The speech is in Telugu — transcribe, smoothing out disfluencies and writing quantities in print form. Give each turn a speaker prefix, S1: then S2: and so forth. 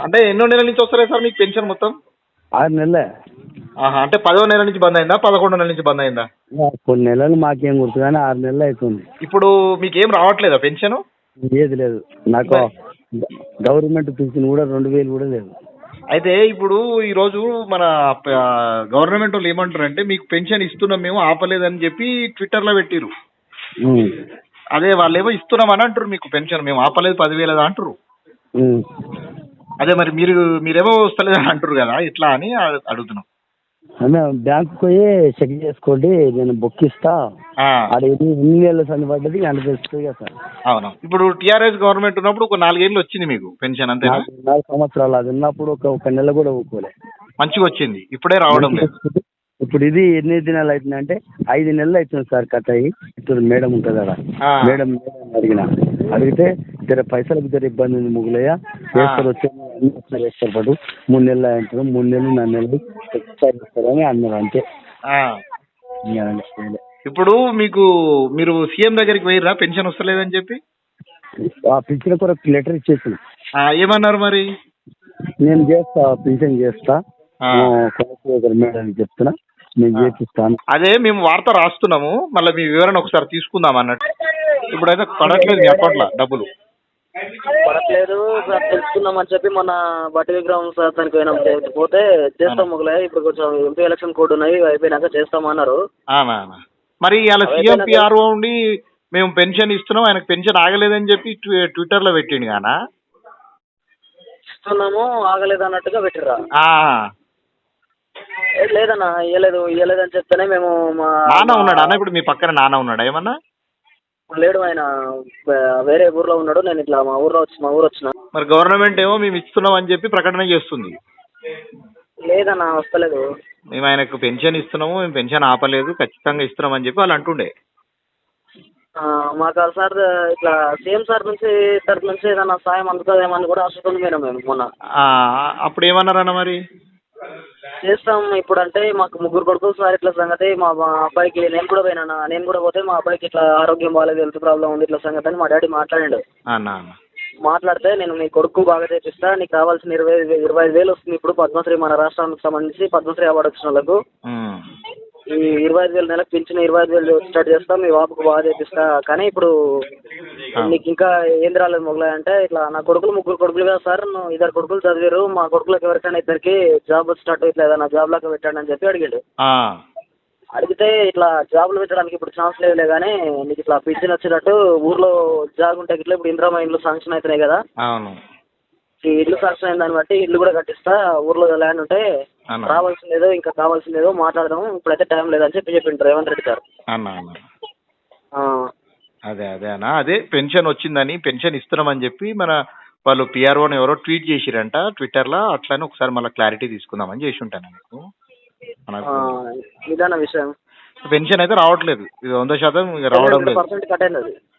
S1: అంటే ఎన్నో నెలల నుంచి వస్తలేదు సార్ మీకు పెన్షన్ మొత్తం?
S2: 6 నెలలే.
S1: అంటే 10వ నెల నుంచి బంద్ అయిందా? 11వ నెల నుంచి బంద్ అయిందా?
S2: కొన్ని నెలలు మాకేం గుర్తు కానీ 6 నెలలు అవుతుంది.
S1: ఇప్పుడు మీకేం రావట్లేదా పెన్షన్?
S2: ఏది లేదు నాకు. గవర్నమెంట్ పింఛన్ కూడా 2000 కూడా లేదు.
S1: అయితే ఇప్పుడు ఈరోజు మన గవర్నమెంట్ వాళ్ళు ఏమంటారంటే మీకు పెన్షన్ ఇస్తున్నాం మేము ఆపలేదని చెప్పి ట్విట్టర్లో పెట్టిరు. అదే వాళ్ళేమో ఇస్తున్నామని అంటారు మీకు పెన్షన్ మేము ఆపలేదు 10,000 అంటారు. అదే మరి మీరేమో వస్తలేదని అంటారు కదా, ఇట్లా అని అడుగుతున్నాం.
S2: బ్యాంకు పోయి చెక్ చేసుకోండి, నేను బుక్ ఇస్తా. ఎన్ని నెలలు సంది పడ్డది అంత తెలుస్తుంది కదా సార్.
S1: అవును. ఇప్పుడు టీఆర్ఎస్ గవర్నమెంట్ ఉన్నప్పుడు ఒక 4 ఏళ్ళు వచ్చింది మీకు పెన్షన్, అంతేనా?
S2: 4 సంవత్సరాలు అది ఉన్నప్పుడు ఒక నెల కూడా ఊకోలే.
S1: మంచిగా వచ్చింది, ఇప్పుడే రావడం లేదు.
S2: ఇప్పుడు ఇది ఎన్ని దినాలు అవుతుంది అంటే 5 నెలలు అవుతుంది సార్ కట్ అయ్యి. ఇప్పుడు మేడం ఉంటుంది కదా, మేడం అడిగితే జర పైసలకు జర ఇబ్బంది ఉంది ముగ్గులయ్య వేస్తారు వేస్తారు పాటు 3 నెలలు అంటారు, 3 నెలలు 4 నెలలు ఒకసారి ఇస్తారని అన్నారు అంతే.
S1: ఇప్పుడు మీరు సీఎం దగ్గరికి పోయిర్రా పెన్షన్ వస్తలేదని చెప్పి?
S2: ఆ పింఛన్ కొరకు లెటర్ ఇచ్చేసి
S1: ఏమన్నారు మరి?
S2: నేను చేస్తా, పింఛన్ చేస్తా, మేడం చెప్తున్నా, నేను చేపిస్తాను.
S1: అదే మేము వార్త రాస్తున్నాము, మళ్ళీ మీ వివరణ ఒకసారి తీసుకుందాం అన్నట్టు. ఇప్పుడైతే పడట్లేదు మీ అకౌంట్లో డబ్బులు.
S3: పడట్లేదు సార్, తెలుసుకుందామని చెప్పి మొన్న బట్టి విగ్రహం సార్ దానికి పోతే చేస్తాం మొగలే. ఇప్పుడు కొంచెం ఎంపీ ఎలక్షన్ కోడ్ ఉన్నాయి, అయిపోయినాక చేస్తామన్నారు.
S1: మరి అలా సీఎం పిఆర్ఓ ఉండి మేము పెన్షన్ ఇస్తున్నాం, ఆయనకు పెన్షన్ ఆగలేదని చెప్పి ట్విట్టర్లో పెట్టిండు కానా?
S3: ఇస్తున్నాము ఆగలేదు అన్నట్టుగా పెట్టిర్రా? లేదన్నా, ఇయ్యలేదని చెప్తేనే మేము
S1: నాన్న ఉన్నాడా అన్న? ఇప్పుడు మీ పక్కన నాన్న ఉన్నాడా ఏమన్నా?
S3: లేడు, ఆయన వేరే ఊర్లో ఉన్నాడు. నేను ఇట్లా మా ఊరు వచ్చిన.
S1: మరి గవర్నమెంట్ ఏమో మేము ఇస్తున్నాం అని చెప్పి ప్రకటన చేస్తుంది.
S3: లేదన్నా, వస్తలేదు.
S1: మేము ఆయనకు పెన్షన్ ఇస్తున్నాము, మేము పెన్షన్ ఆపలేదు, ఖచ్చితంగా ఇస్తున్నాం అని చెప్పి వాళ్ళు అంటుండే.
S3: మాకు సార్ ఇట్లా సీఎం సార్ నుంచి తరఫు నుంచి ఏదన్నా సాయం అందుతుందేమని కూడా ఆశతుంది మేము మొన్న.
S1: అప్పుడు ఏమన్నారన్న మరి?
S3: చేస్తాం ఇప్పుడు అంటే మాకు 3 కొడుకులు సార్, ఇట్లా సంగతి మా అబ్బాయికి నేను కూడా పోతే మా అబ్బాయికి ఇట్లా ఆరోగ్యం బాగాలేదు, హెల్త్ ప్రాబ్లం ఉంది, ఇట్లా సంగతి అని మా డాడీ మాట్లాడాడు. మాట్లాడితే నేను నీ కొడుకు బాగా చేపిస్తా, నీకు కావాల్సిన 25,000 వస్తుంది. ఇప్పుడు పద్మశ్రీ మన రాష్ట్రానికి సంబంధించి పద్మశ్రీ అవార్డు వచ్చిన వాళ్ళకు ఈ 25,000 నెలకు పెంచిన 25,000 స్టార్ట్ చేస్తాం, మీ బాబుకు బాగా చేపిస్తా. కానీ ఇప్పుడు నీకు ఇంకా ఏం రాలేదు మొగలాయి అంటే, ఇట్లా నా కొడుకులు 3 కొడుకులు కదా సార్, 2 కొడుకులు చదివారు, మా కొడుకులకు ఎవరికైనా 2కి జాబ్ స్టార్ట్ ఇట్లా ఏదైనా జాబ్ లాగా పెట్టండి అని చెప్పి అడిగాడు. అడిగితే ఇట్లా జాబులు పెట్టడానికి ఇప్పుడు ఛాన్స్ లేదులే, కానీ నీకు ఇట్లా పింఛన్ వచ్చేటట్టు ఊర్లో జాబ్ ఉంటే ఇట్లా ఇప్పుడు ఇందిరామ ఇండ్లు శాంక్షన్ అవుతున్నాయి కదా, ఈ ఇల్లు శాంక్షన్ అయిన దాన్ని బట్టి ఇల్లు కూడా కట్టిస్తా, ఊర్లో ల్యాండ్ ఉంటే రావాల్సిందేదో ఇంకా కావాల్సిందేదో మాట్లాడదాం, ఇప్పుడైతే టైం లేదని చెప్పి చెప్పింటారు రేవంత్ రెడ్డి గారు.
S1: అదే పెన్షన్ వచ్చిందని, పెన్షన్ ఇస్తున్నామని చెప్పి మన వాళ్ళు పిఆర్ఓని ఎవరో ట్వీట్ చేసిరంట ట్విట్టర్లో. అట్లని ఒకసారి మళ్ళీ క్లారిటీ తీసుకుందామని చేసి ఉంటాను మీకు.
S3: ఇదన్న విషయం.
S1: పెన్షన్ అయితే రావట్లేదు, ఇది 100% రావడం లేదు.